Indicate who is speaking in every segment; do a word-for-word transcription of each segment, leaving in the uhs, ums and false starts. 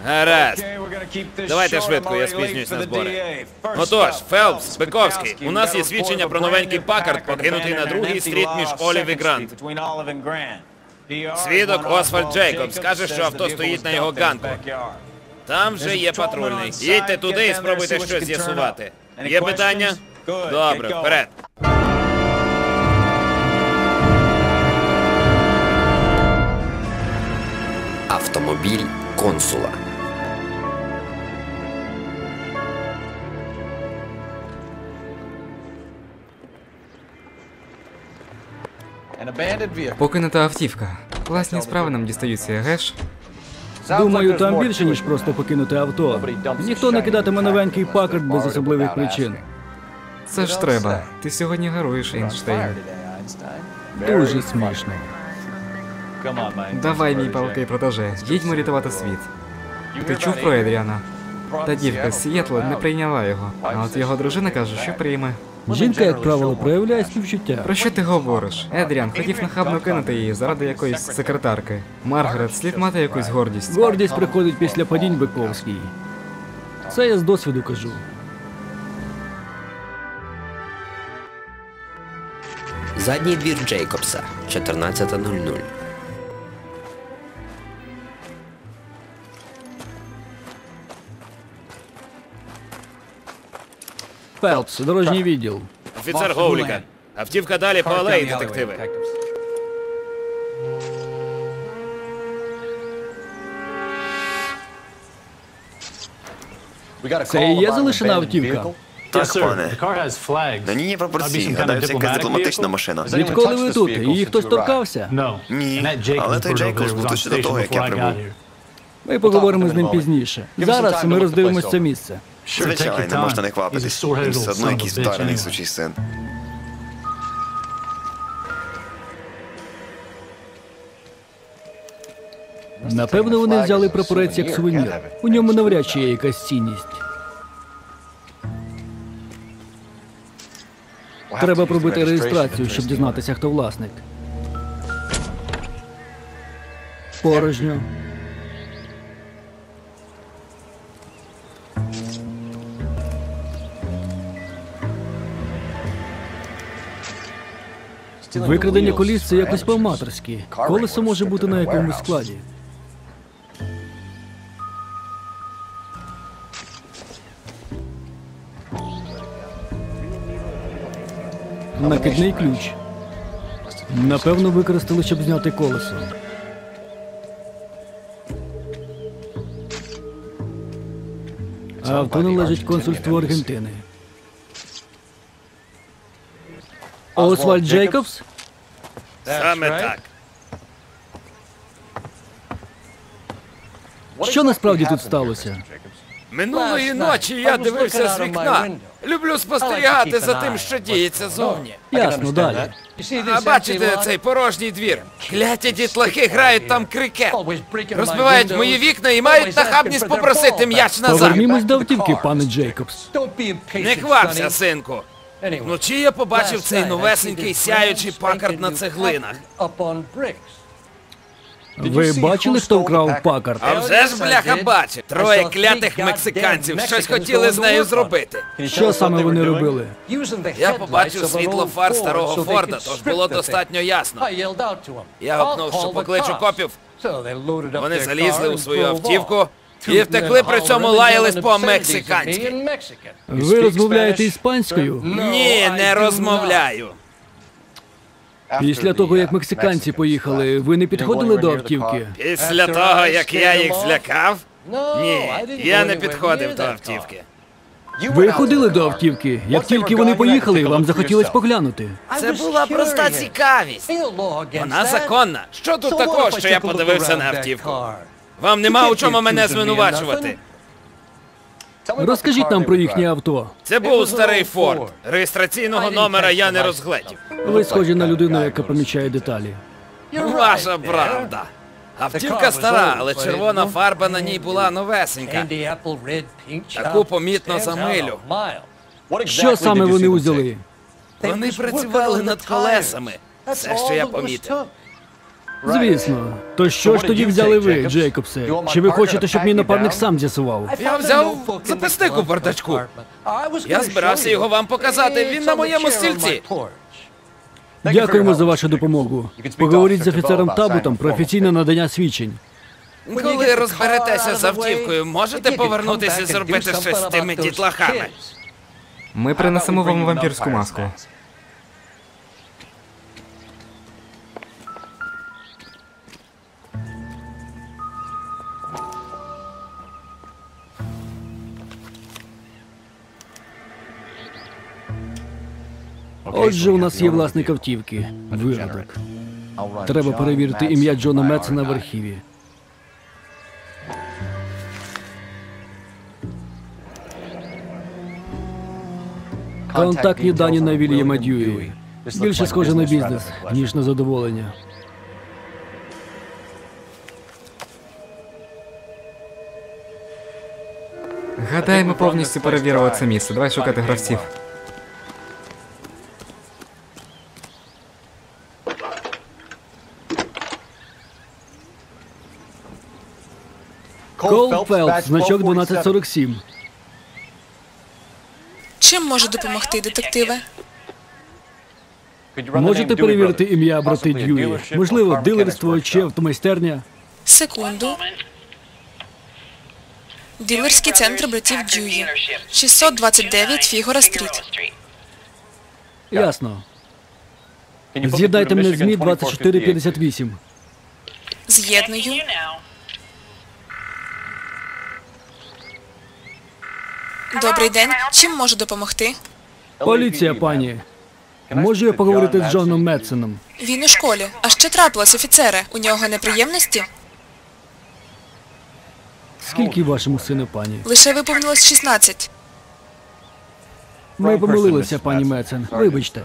Speaker 1: Гаразд. Давайте швидко, я спізнююсь на збори. Отож, Фелпс, Бековський, у нас є свідчення про новенький Паккард, покинутий на другій стріт між Олів і Грант. Свідок Освальд Джейкобс каже, що авто стоїть на його ганку. Там вже є патрульний. Їдьте туди і спробуйте щось з'ясувати. Є питання? Добре, вперед.
Speaker 2: Автомобіль консула.
Speaker 3: Покинута автівка. Класні справи нам дістаються, геш?
Speaker 4: Думаю, там більше, ніж просто покинути авто. Ніхто не кидатиме новенький Паккард без особливих причин.
Speaker 3: Це ж треба. Ти сьогодні героїш, Ейнштейн.
Speaker 4: Дуже смішно.
Speaker 3: Давай, мій палкий протеже, їдьмо рятувати світ. Ти чув про Едріана? Та дівка з Сієтла не прийняла його, а от його дружина каже, що прийме.
Speaker 4: Жінка, як правило, проявляє співчуття.
Speaker 3: Про що ти говориш? Едріан хотів нахабно кинути її заради якоїсь секретарки. Маргарет, слід мати якусь гордість.
Speaker 4: Гордість приходить після падінь, Бековський. Це я з досвіду кажу.
Speaker 2: Задній двір Джейкобса, чотирнадцята нуль нуль.
Speaker 4: Фелпс, дорожній відділ.
Speaker 1: Офіцер Гоуліка. Автівка далі по алеї, детективи.
Speaker 4: Це і є залишена автівка?
Speaker 5: Так, пане. На ній є прапорці. Гадаю, це якась дипломатична машина.
Speaker 4: Відколи ви тут? Її хтось торкався?
Speaker 5: Ні, але той Джейкобс був тут ще до того, як я прибув.
Speaker 4: Ми поговоримо з ним пізніше. Зараз ми роздивимось це місце.
Speaker 5: Звичайно, можна не квапитись. Він все одно якийсь вдарений сучий син.
Speaker 4: Напевно, вони взяли прапорець як сувенір. У ньому навряд чи є якась цінність. Треба пробити реєстрацію, щоб дізнатися, хто власник. Порожньо. Викрадення коліс – це якось по-аматорськи. Колесо може бути на якомусь складі. Накидний ключ. Напевно, використали, щоб зняти колесо. Авто належить консульству Аргентини. Освальд Джейкобс?
Speaker 1: Саме так.
Speaker 4: Що насправді тут сталося?
Speaker 1: Минулої ночі я дивився з вікна. Люблю спостерігати за тим, що діється зовні.
Speaker 4: Ясно, далі.
Speaker 1: А бачите цей порожній двір? Кляті дітлахи грають там крикет. Розбивають мої вікна і мають нахабність попросити м'яч назад.
Speaker 4: Повернімось до автівки, пане Джейкобс.
Speaker 1: Не квапся, синку. Вночі я побачив цей новесенький сяючий Паккард на цеглинах.
Speaker 4: Ви бачили, хто вкрав Паккард?
Speaker 1: А вже ж, бляха, бачив. Троє клятих мексиканців щось хотіли з нею зробити.
Speaker 4: Що саме вони робили?
Speaker 1: Я побачив світло фар старого Форда, тож було достатньо ясно. Я гукнув, що покличу копів. Вони залізли у свою автівку і втекли, при цьому лаялись по-мексиканськи.
Speaker 4: Ви розмовляєте іспанською?
Speaker 1: Ні, не розмовляю.
Speaker 4: Після того, як мексиканці поїхали, ви не підходили до автівки?
Speaker 1: Після того, як я їх злякав? Ні, я не підходив до автівки.
Speaker 4: Ви ходили до автівки. Як тільки вони поїхали, вам захотілось поглянути.
Speaker 1: Це була проста цікавість. Вона законна. Що тут такого, що я подивився на автівку? Вам нема у чому мене звинувачувати.
Speaker 4: Розкажіть нам про їхнє авто.
Speaker 1: Це був старий Форд. Реєстраційного номера я не розгледів.
Speaker 4: Ви схожі на людину, яка помічає деталі.
Speaker 1: Ваша правда. Автівка стара, але червона фарба на ній була новесенька. Таку помітно за милю.
Speaker 4: Що саме вони узяли?
Speaker 1: Вони працювали над колесами. Все, що я помітив.
Speaker 4: Звісно. То що ж тоді взяли ви, Джейкобсе? Чи ви хочете, щоб мій напарник сам з'ясував?
Speaker 1: Я взяв записник у бардачку. Я збирався його вам показати, він на моєму стільці.
Speaker 4: Дякуємо за вашу допомогу. Поговоріть з офіцером Табутом про офіційне надання свідчень.
Speaker 1: Коли розберетеся з автівкою, можете повернутися і зробити щось з тими дітлахами?
Speaker 3: Ми принесемо вам вампірську маску.
Speaker 4: Отже, у нас є власник автівки. Виродок. Треба перевірити ім'я Джона Медсона в архіві. Контактні дані на Вільяма Дьюї. Більше схоже на бізнес, ніж на задоволення.
Speaker 3: Гадаю, ми повністю перевірили це місце. Давай шукати гравців.
Speaker 4: Кол Фелпс, значок дванадцять сорок сім.
Speaker 6: Чим можу допомогти, детективе?
Speaker 4: Можете перевірити ім'я брати Дьюї? Можливо, дилерство чи автомайстерня?
Speaker 6: Секунду. Дилерський центр братів Дьюї. шістсот двадцять дев'ять Фігора Стріт.
Speaker 4: Ясно. З'єднайте мене з Мі двадцять чотири п'ятдесят вісім.
Speaker 6: З'єдную. Добрий день. Чим можу допомогти?
Speaker 4: Поліція, пані. Можу я поговорити з Джоном Медсоном?
Speaker 6: Він у школі. А що трапилось, офіцере? У нього неприємності?
Speaker 4: Скільки вашому сину, пані?
Speaker 6: Лише виповнилось шістнадцять.
Speaker 4: Ми помилилися, пані Медсон. Вибачте.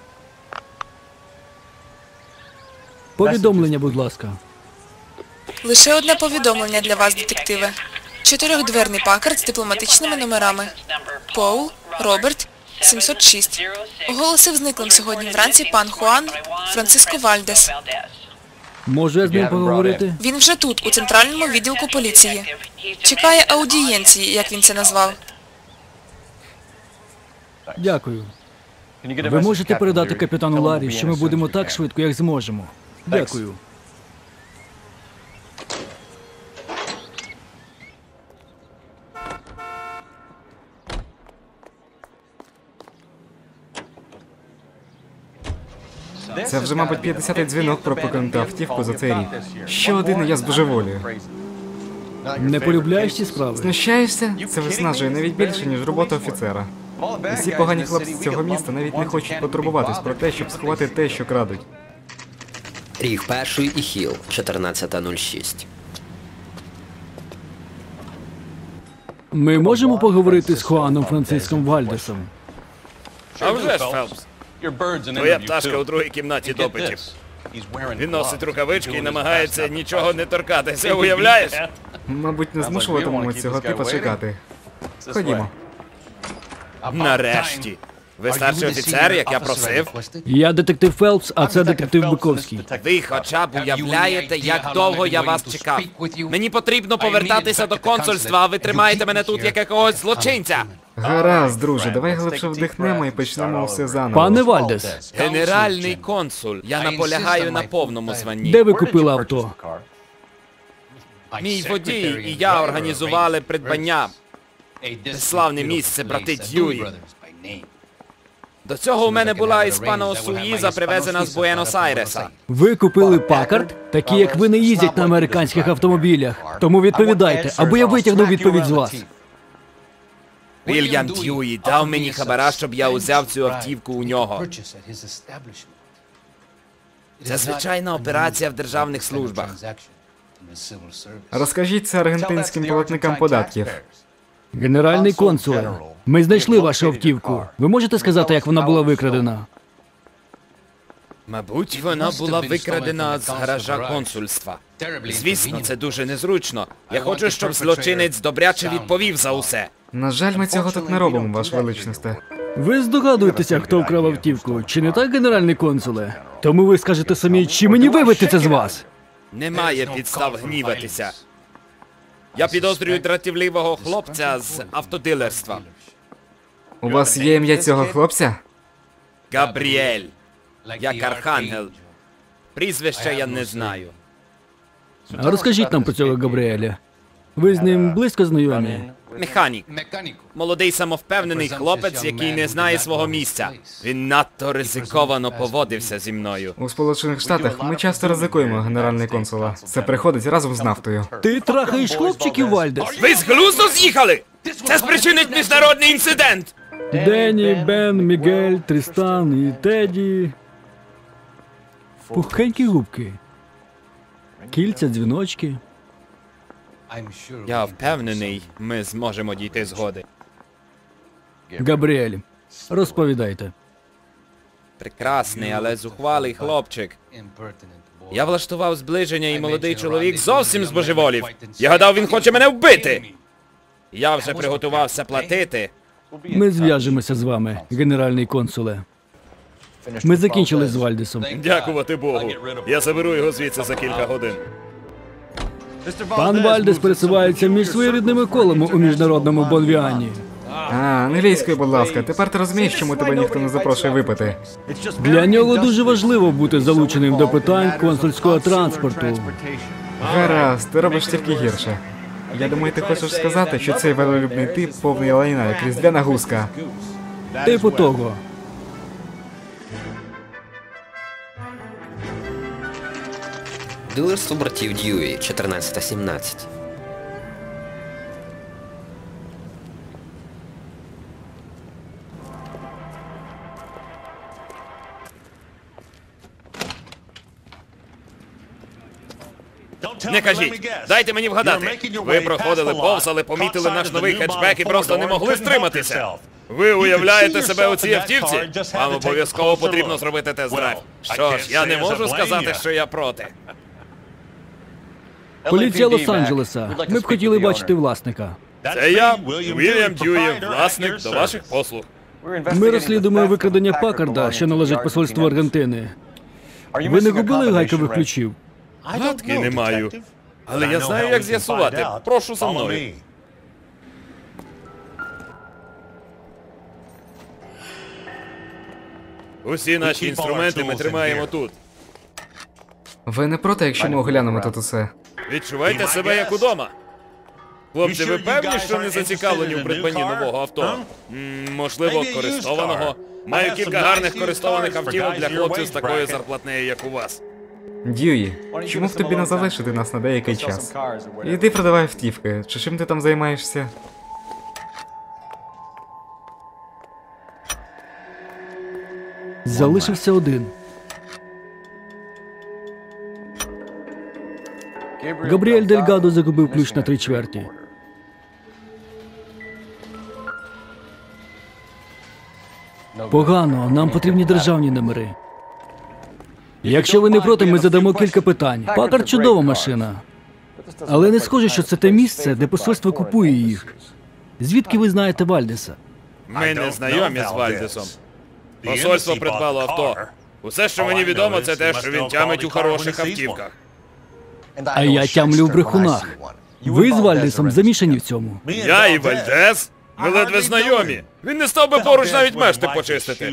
Speaker 4: Повідомлення, будь ласка.
Speaker 6: Лише одне повідомлення для вас, детективе. Чотирьохдверний пакард з дипломатичними номерами. Поул, Роберт, сімсот шість. Оголосив зниклим сьогодні вранці пан Хуан Франциско Вальдес.
Speaker 4: Можу я з ним поговорити?
Speaker 6: Він вже тут, у центральному відділку поліції. Чекає аудієнції, як він це назвав.
Speaker 4: Дякую. Ви можете передати капітану Ларі, що ми будемо так швидко, як зможемо. Дякую.
Speaker 3: Це вже, мабуть, п'ятдесятий дзвінок про покинуту автівку за цей рік. Ще один, і я збожеволію.
Speaker 4: Не полюбляєш ці справи?
Speaker 3: Знущаєшся? Це виснажує навіть більше, ніж робота офіцера. Усі погані хлопці з цього міста навіть не хочуть потурбуватись про те, щоб сховати те, що крадуть.
Speaker 2: Ріг перший і Хіл, чотирнадцята нуль шість.
Speaker 4: Ми можемо поговорити з Хуаном Франциском Вальдесом?
Speaker 1: А вже ж, Фелпс. Твоя пташка у другій кімнаті допитів. Він носить рукавички і намагається нічого не торкатися, уявляєш?
Speaker 3: Мабуть, не змушуватимемо цього типа чекати. Ходімо.
Speaker 1: Нарешті. Ви старший офіцер, як я просив?
Speaker 4: Я детектив Фелпс, а це детектив Биковський.
Speaker 1: Ви хоча б уявляєте, як довго я вас чекав. Мені потрібно повертатися до консульства, а ви тримаєте мене тут як якогось злочинця.
Speaker 3: Гаразд, друже, давай глибше вдихнемо і почнемо все заново.
Speaker 4: Пане Вальдес,
Speaker 1: Генеральний консуль, я наполягаю на повному званні.
Speaker 4: де ви купили авто?
Speaker 1: Мій водій і я організували придбання. Славне місце, брати Дьюї. До цього у мене була іспано Суїза, привезена з Буенос-Айреса.
Speaker 4: Ви купили Пакард? Такі, як ви, не їздять на американських автомобілях. Тому відповідайте, або я витягну відповідь з вас.
Speaker 1: Вільям Дьюї дав мені хабара, щоб я узяв цю автівку у нього. Це звичайна операція в державних службах.
Speaker 3: Розкажіть це аргентинським платникам податків.
Speaker 4: Генеральний консуле, ми знайшли вашу автівку. Ви можете сказати, як вона була викрадена?
Speaker 1: Мабуть, вона була викрадена з гаража консульства. Звісно, це дуже незручно. Я хочу, щоб злочинець добряче відповів за усе.
Speaker 3: На жаль, ми цього тут не робимо, ваш величність.
Speaker 4: Ви здогадуєтеся, хто вкрав автівку, чи не так, генеральний консуле? Тому ви скажете самі, чи мені вибити це з вас?
Speaker 1: Немає підстав гніватися. Я підозрюю дратівливого хлопця з автодилерства.
Speaker 3: У вас є ім'я цього хлопця?
Speaker 1: Габріель. Як архангел. Прізвище я не знаю.
Speaker 4: А розкажіть нам про цього Габріеля. Ви з ним близько знайомі?
Speaker 1: Механік. Молодий самовпевнений хлопець, який не знає свого місця. Він надто ризиковано поводився зі мною.
Speaker 3: У Сполучених Штатах ми часто ризикуємо, генеральний консула. Це приходить разом з нафтою.
Speaker 4: Ти трахаєш хлопчиків, Вальдес?
Speaker 1: Ви з глузду з'їхали? Це спричинить міжнародний інцидент!
Speaker 4: Денні, Бен, Мігель, Трістан і Теді. Пухенькі губки. Кільця, дзвіночки.
Speaker 1: Я впевнений, ми зможемо дійти згоди.
Speaker 4: Габріель, розповідайте.
Speaker 1: Прекрасний, але зухвалий хлопчик. Я влаштував зближення, і молодий чоловік зовсім збожеволів. Я гадав, він хоче мене вбити. Я вже приготувався платити.
Speaker 4: Ми зв'яжемося з вами, генеральний консуле. Ми закінчили з Вальдесом.
Speaker 1: Дякувати Богу. Я заберу його звідси за кілька годин.
Speaker 4: Пан Вальдес пересувається між своєрідними колами у міжнародному Бонвіані.
Speaker 3: А, англійською, будь ласка. Тепер ти розумієш, чому тебе ніхто не запрошує випити.
Speaker 4: Для нього дуже важливо бути залученим до питань консульського транспорту.
Speaker 3: Гаразд, ти робиш тільки гірше. Я думаю, ти хочеш сказати, що цей велолюбний тип повний лайна, як різдвяна гуска.
Speaker 4: Типу того.
Speaker 2: Дилерство братів Дьюї, чотирнадцята сімнадцять.
Speaker 1: Не кажіть, дайте мені вгадати. Ви проходили повз, але помітили наш новий хетчбек і просто не могли стриматися. Ви уявляєте себе у цій автівці? Вам обов'язково потрібно зробити тест-драйв. Що ж, я не можу сказати, що я проти.
Speaker 4: Поліція Лос-Анджелеса. Ми б хотіли бачити власника.
Speaker 1: Це я, Вільям Дьюї, власник, до ваших послуг.
Speaker 4: Ми розслідуємо викрадення Паккарда, що належить посольству Аргентини. Ви не губили гайкових ключів?
Speaker 1: Гадки не маю. Але я знаю, як з'ясувати. Прошу за мною. Усі наші інструменти ми тримаємо тут.
Speaker 3: Ви не проти, якщо ми оглянемо тут усе?
Speaker 1: Відчувайте себе як удома. Хлопці, ви певні, що не зацікавлені в придбанні нового авто? М, можливо, користованого? Маю кілька гарних користованих автівок для хлопців з такою зарплатнею, як у вас.
Speaker 3: Дьюї, чому б тобі не залишити нас на деякий час? Іди продавай автівки, чи чим ти там займаєшся?
Speaker 4: Залишився один. Габріель Дельгадо загубив ключ на три чверті. Погано, нам потрібні державні номери. Якщо ви не проти, ми задамо кілька питань. Паккард – чудова машина. Але не схоже, що це те місце, де посольство купує їх. Звідки ви знаєте Вальдеса?
Speaker 1: Ми не знайомі з Вальдесом. Посольство придбало авто. Усе, що мені відомо, це те, що він тямить у хороших автівках.
Speaker 4: А я тямлю в брехунах. Ви з Вальдесом замішані в цьому.
Speaker 1: Я і Вальдес? Ми ледве знайомі. Він не став би поруч навіть мешти почистити.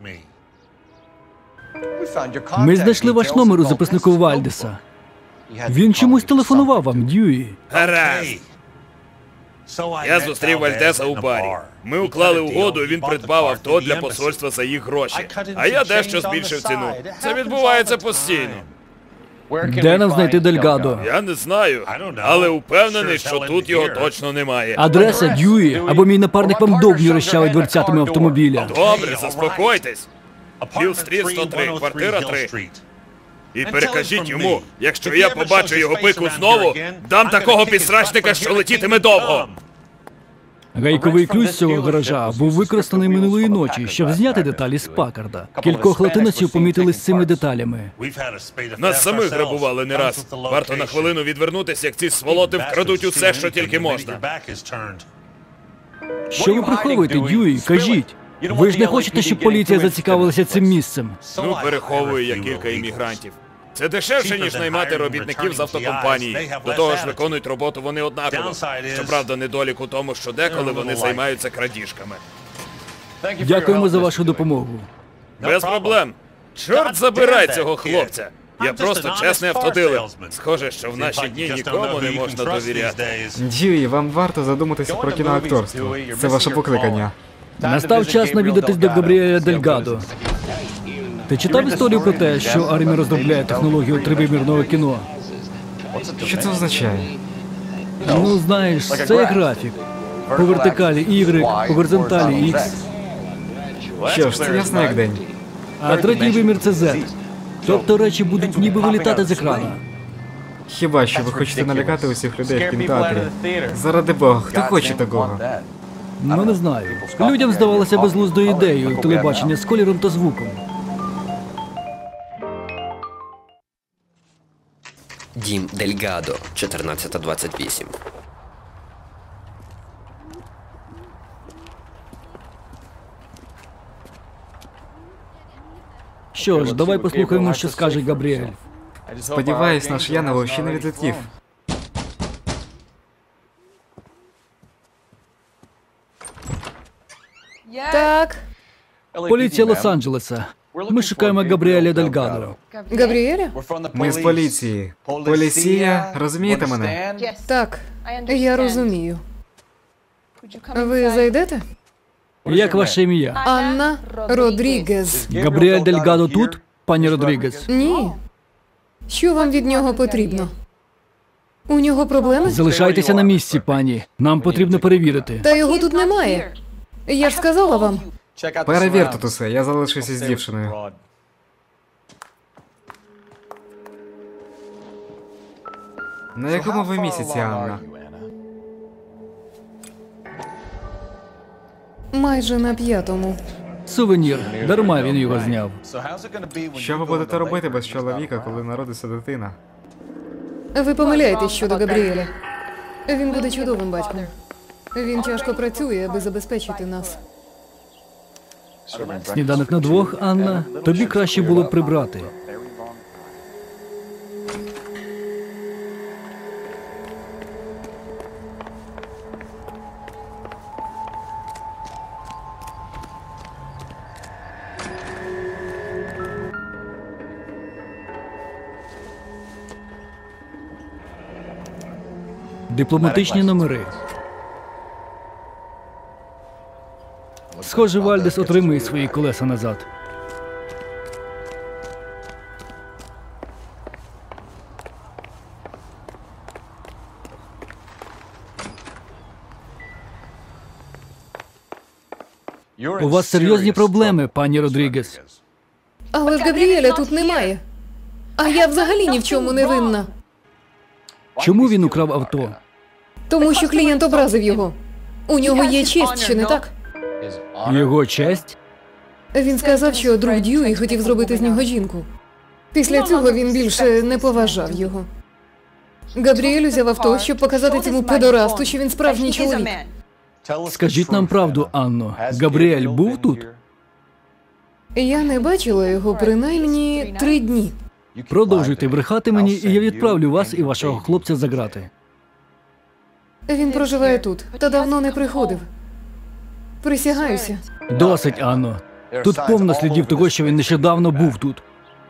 Speaker 4: Ми знайшли ваш номер у записнику Вальдеса. Він чомусь телефонував вам, Дьюї.
Speaker 1: Гаразд. Я зустрів Вальдеса у барі. Ми уклали угоду, і він придбав авто для посольства за їх гроші. А я дещо збільшив ціну. Це відбувається постійно.
Speaker 4: Де нам знайти Дельгадо?
Speaker 1: Я не знаю, але упевнений, що тут його точно немає.
Speaker 4: Адреса, Дьюї, або мій напарник вам довбню розчавить дверцятами автомобіля.
Speaker 1: Добре, заспокойтесь. Хілл-стріт сто три, квартира три. І перекажіть йому, якщо я побачу його пику знову, дам такого підсрачника, що летітиме довго.
Speaker 4: Гайковий ключ з цього гаража був використаний минулої ночі, щоб зняти деталі з Паккарда. Кількох латиносів помітили з цими деталями.
Speaker 1: Нас самих грабували не раз. Варто на хвилину відвернутися, як ці сволоти вкрадуть усе, що тільки можна.
Speaker 4: Що ви приховуєте, Дьюї? Кажіть. Ви ж не хочете, щоб поліція зацікавилася цим місцем?
Speaker 1: Ну, переховую я кілька іммігрантів. Це дешевше, ніж наймати робітників з автокомпанії. До того ж, виконують роботу вони однаково. Щоправда, недолік у тому, що деколи вони займаються крадіжками.
Speaker 4: Дякуємо за вашу допомогу.
Speaker 1: Без проблем. Чорт забирай цього хлопця. Я просто чесний автодилер. Схоже, що в наші дні нікому не можна довіряти.
Speaker 3: Дьюї, вам варто задуматися про кіноакторство. Це ваше покликання.
Speaker 4: Настав час навідатись до Габріеля Дельгадо. Ти читав історію про те, що армія розробляє технологію тривимірного кіно?
Speaker 3: Що це означає?
Speaker 4: Ну, знаєш, це як графік. По вертикалі Y, по горизонталі X.
Speaker 3: Що ж, це ясно як день.
Speaker 4: А третій вимір – це Z. Тобто речі будуть ніби вилітати з екрана.
Speaker 3: Хіба що ви хочете налякати усіх людей в кінотеатрі? Заради Бога, хто хоче такого?
Speaker 4: Ну, не знаю. Людям здавалося безглуздою ідеєю телебачення з кольором та звуком.
Speaker 2: Дім Дельгадо, чотирнадцята двадцять вісім.
Speaker 4: Що ж, давай послухаємо, що скаже Габріель.
Speaker 3: Сподіваюсь, наш Яново ще не відлетів.
Speaker 7: Так,
Speaker 4: Поліція Лос-Анджелеса. Ми шукаємо Габріеля Дельгадо.
Speaker 7: Габріеля?
Speaker 3: Ми з поліції. Поліція, розумієте мене?
Speaker 7: Так, я розумію. Ви зайдете?
Speaker 4: Як ваше ім'я?
Speaker 7: Анна Родрігес.
Speaker 4: Габріель Дельгадо тут, пані Родрігес?
Speaker 7: Ні. Що вам від нього потрібно? У нього проблеми?
Speaker 4: Залишайтеся на місці, пані. Нам потрібно перевірити.
Speaker 7: Та його тут немає. Я ж сказала вам.
Speaker 3: Перевір тут усе, я залишуся з дівчиною. На якому ви місяці, Анна?
Speaker 7: Майже на п'ятому.
Speaker 4: Сувенір. Дарма він його зняв.
Speaker 3: Що ви будете робити без чоловіка, коли народиться дитина?
Speaker 7: Ви помиляєтесь щодо Габріеля. Він буде чудовим батьком. Він тяжко працює, аби забезпечити нас.
Speaker 4: Сніданок на двох, Анна. Тобі краще було б прибрати. Дипломатичні номери. Схоже, Вальдес отримує свої колеса назад. У вас серйозні проблеми, пані Родрігес.
Speaker 7: Але ж Габріеля тут немає. А я взагалі ні в чому не винна.
Speaker 4: Чому він украв авто?
Speaker 7: Тому що клієнт образив його. У нього є честь, чи не так?
Speaker 4: Його честь?
Speaker 7: Він сказав, що друг Дьюї хотів зробити з нього жінку. Після цього він більше не поважав його. Габріель узяв авто, щоб показати цьому педорасту, що він справжній чоловік.
Speaker 4: Скажіть нам правду, Анно. Габріель був тут?
Speaker 7: Я не бачила його принаймні три дні.
Speaker 4: Продовжуйте брехати мені, і я відправлю вас і вашого хлопця за грати.
Speaker 7: Він проживає тут, та давно не приходив. Присягаюся.
Speaker 4: Досить, Анно. Тут повно слідів того, що він нещодавно був тут.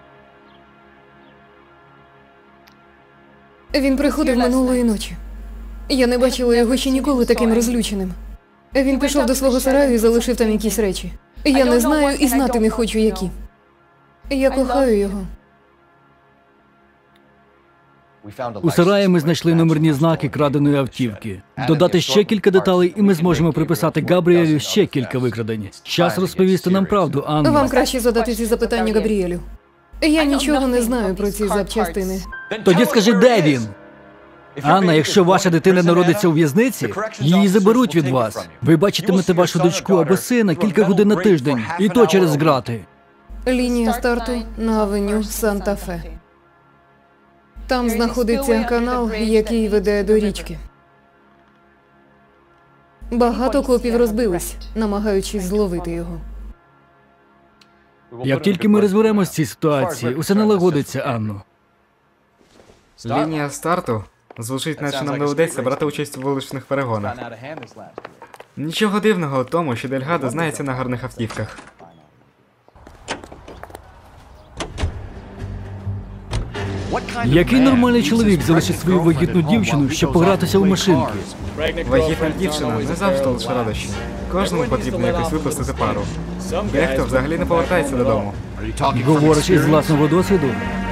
Speaker 7: Він приходив минулої ночі. Я не бачила його ще ніколи таким розлюченим. Він пішов до свого сараю і залишив там якісь речі. Я не знаю і знати не хочу, які. Я кохаю його.
Speaker 4: У сараї ми знайшли номерні знаки краденої автівки. Додати ще кілька деталей, і ми зможемо приписати Габріелю ще кілька викрадень. Час розповісти нам правду, Анно.
Speaker 7: Вам краще задати ці запитання Габріелю. Я нічого не знаю про ці запчастини.
Speaker 4: Тоді скажи, де він? Анна, якщо ваша дитина народиться у в'язниці, її заберуть від вас. Ви бачитимете вашу дочку або сина кілька годин на тиждень, і то через грати.
Speaker 7: Лінія старту на авеню Санта-Фе. Там знаходиться канал, який веде до річки. Багато копів розбились, намагаючись зловити його.
Speaker 4: Як тільки ми розберемось в цій ситуації, усе налагодиться, Анно.
Speaker 3: Лінія старту звучить, наче нам доведеться брати участь у вуличних перегонах. Нічого дивного у тому, що Дельгадо знається на гарних автівках.
Speaker 4: Який нормальний чоловік залишить свою вагітну дівчину, щоб погратися у машинки?
Speaker 3: Вагітна дівчина не завжди лише радощі. Кожному потрібно якось випустити пару. Дехто взагалі не повертається додому.
Speaker 4: Говориш із власного досвіду?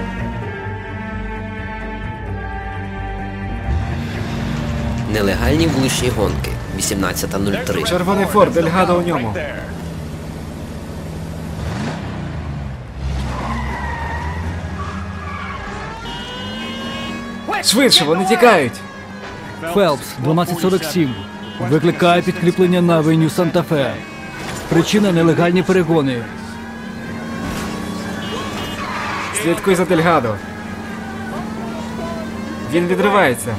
Speaker 2: Нелегальні вуличні гонки. вісімнадцята нуль три.
Speaker 3: Червоний Форд, Дельгадо у ньому. Швидше, вони тікають!
Speaker 4: Фелпс, дванадцять сорок сім. Викликає підкріплення на авеню Санта-Фе. Причина – нелегальні перегони.
Speaker 3: Слідкуй за Дельгадо. Він відривається.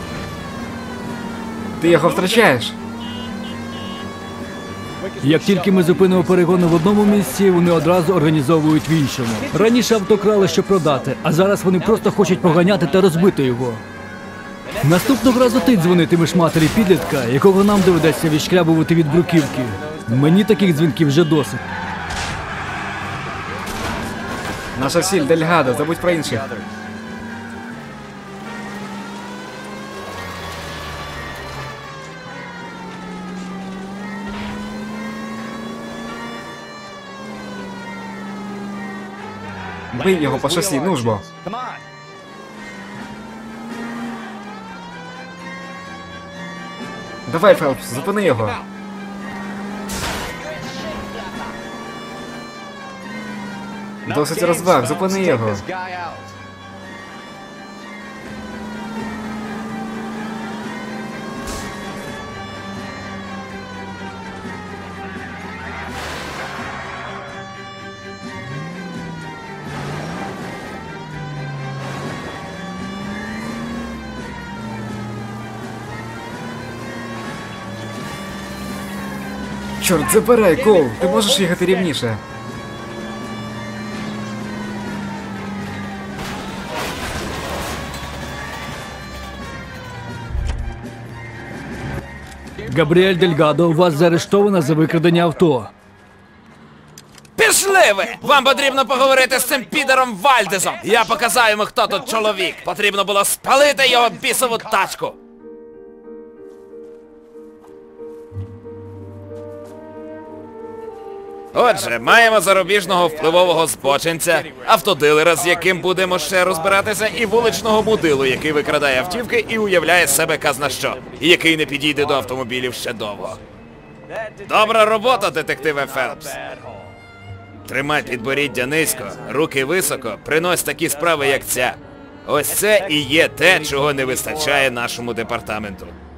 Speaker 3: Ти його втрачаєш.
Speaker 4: Як тільки ми зупинимо перегони в одному місці, вони одразу організовують в іншому. Раніше авто крали, щоб продати, а зараз вони просто хочуть поганяти та розбити його. Наступного разу ти дзвонитимеш матері підлітка, якого нам доведеться відшкрябувати від бруківки. Мені таких дзвінків вже досить.
Speaker 3: Наша ціль Дельгадо, забудь про інших. Бий його по шосі, ну ж бо. Давай, Фелпс, зупини його. Досить розваг, зупини його. Чорт, забирай, Коул, ти можеш їхати рівніше.
Speaker 4: Габріель Дельгадо, вас заарештовано за викрадення авто.
Speaker 1: Пішли ви! Вам потрібно поговорити з цим підером Вальдезом. Я показав йому, хто тут чоловік. Потрібно було спалити його бісову тачку. Отже, маємо зарубіжного впливового збочинця, автодилера, з яким будемо ще розбиратися, і вуличного мудилу, який викрадає автівки і уявляє з себе казна що, і який не підійде до автомобілів ще довго. Добра робота, детективе Фелпс. Тримай підборіддя низько, руки високо, принось такі справи, як ця. Ось це і є те, чого не вистачає нашому департаменту.